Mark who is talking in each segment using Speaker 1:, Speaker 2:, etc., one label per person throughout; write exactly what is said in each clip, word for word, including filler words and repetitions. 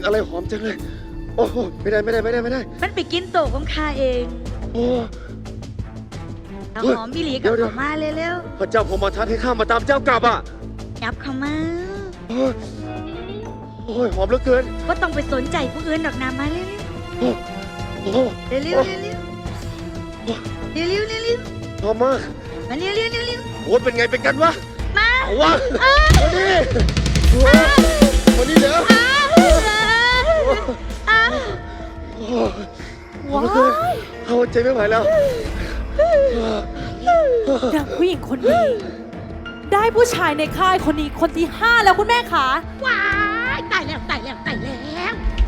Speaker 1: อะไรหอมจังเลยโอ้โหไม่ได้ไม่ได้ไม่ได้ไม่ได้
Speaker 2: มันไปกินโตะของข้าเอง
Speaker 1: โอ้
Speaker 2: เอาหอมบิลีกับเขามาเร็ว
Speaker 1: พระเจ้าพมทัตให้ข้ามาตามเจ้ากลับอ่ะ
Speaker 2: ๆยับเขามา
Speaker 1: โอ้ยโอ้ยหอมเหลือเกิน
Speaker 2: ก็ต้องไปสนใจผู้อื่นดอกนามาเร็ว
Speaker 1: โอ้โอ้
Speaker 2: ๆเร็วๆเร็วๆเร็วๆเร็วๆเร็ว
Speaker 1: หอมมาก
Speaker 2: ๆมาเร็วๆเร็ว
Speaker 1: โอ้ยเป็นไงเป็นกันวะ
Speaker 2: ๆมา
Speaker 1: เอาวะมาดิโอ้ยมาดิเดี๋ยว
Speaker 2: อ้าวอ้าว
Speaker 1: โอ้ยหอมเหลือเกินเอาใจไม่ไหวแล้ว
Speaker 3: นางผู้หญิงคนนี้ ได้ผู้ชายในค่ายคนนี้คนที่ห้าแล้วคุณแม่คะ
Speaker 4: ว้ายตายแล้วตายแล้วตายแล้ว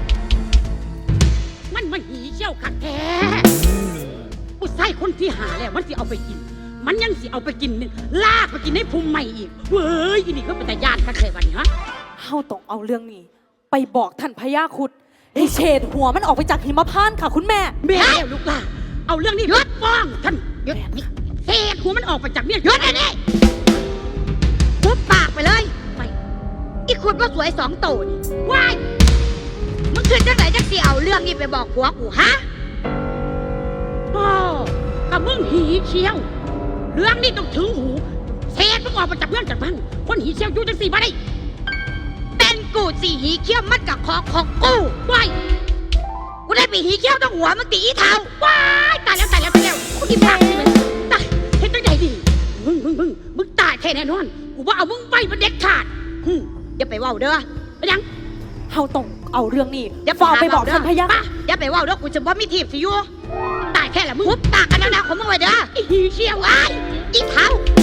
Speaker 4: มันมันหีเชี่ยวขัดแท้ผู้ชายคนที่หาแล้วมันสิเอาไปกิน มันยังสิเอาไปกินนึงลากไปกินให้ภูมิใหม่อีกเว้ยอีนี่ก็เป็นแต่ญาติกันเลยวันนี้ฮะ
Speaker 3: เฮาต้องเอาเรื่องนี้ ไปบอกท่านพญาครุฑให้เฉดหัวมันออกไปจากหิมพานต์ค่ะคุณแม่
Speaker 4: แม่แล้วลูกล่ะเอาเรื่องนี้ยศฟ้องท่านยศนี่เศษหัวมันออกไปจากเมียยศอันนี้
Speaker 2: ทุบปากไปเลยไปอีกคนก็สวยสองโตนี่
Speaker 4: ว้าย
Speaker 2: มึงขึ้นจังไหนจังสิเอาเรื่องนี้ไปบอกผัวกูฮะ
Speaker 4: โอ้กับมึงหีเชี่ยว เรื่องนี้ต้องถึงหูเศษมึงออกมาจากเพื่อนจากบ้านคนหีเชี่ยวอยู่จังสี่มาได้
Speaker 2: เป็นกูสี่หีเขี้ยวมัดกับคอของกู
Speaker 4: ว้าย
Speaker 2: กูได้ไปหีเขี้ยวต้องหัวมึงตีอีเท้า
Speaker 4: ว้ายตายแล้วตายแล้วตายแล้วกูที่ปากนี่มันตายเห็นตั้งใดดีมึงมึงมึงมึงตายแท้แน่นอนกูว่าเอามึงไปมันเด็ดขาดหึ
Speaker 2: อย่าไปเว้าเด้อ
Speaker 4: ไปยัง
Speaker 3: เฮาต้องเอาเรื่องนี้
Speaker 2: อย่า
Speaker 3: ฝากไปบอก
Speaker 2: หเด้
Speaker 3: ท่านพญา
Speaker 2: ป่ะอย่าไปเว้าเด้อกูจะบ่มีทีบสิอยู่
Speaker 4: ตายแค่ละมึง
Speaker 2: ทุบปากกันแล้วนะของมึงไว้เด้อ
Speaker 4: ไอ้หีเชี่ยว
Speaker 2: ว้ายอีเท้า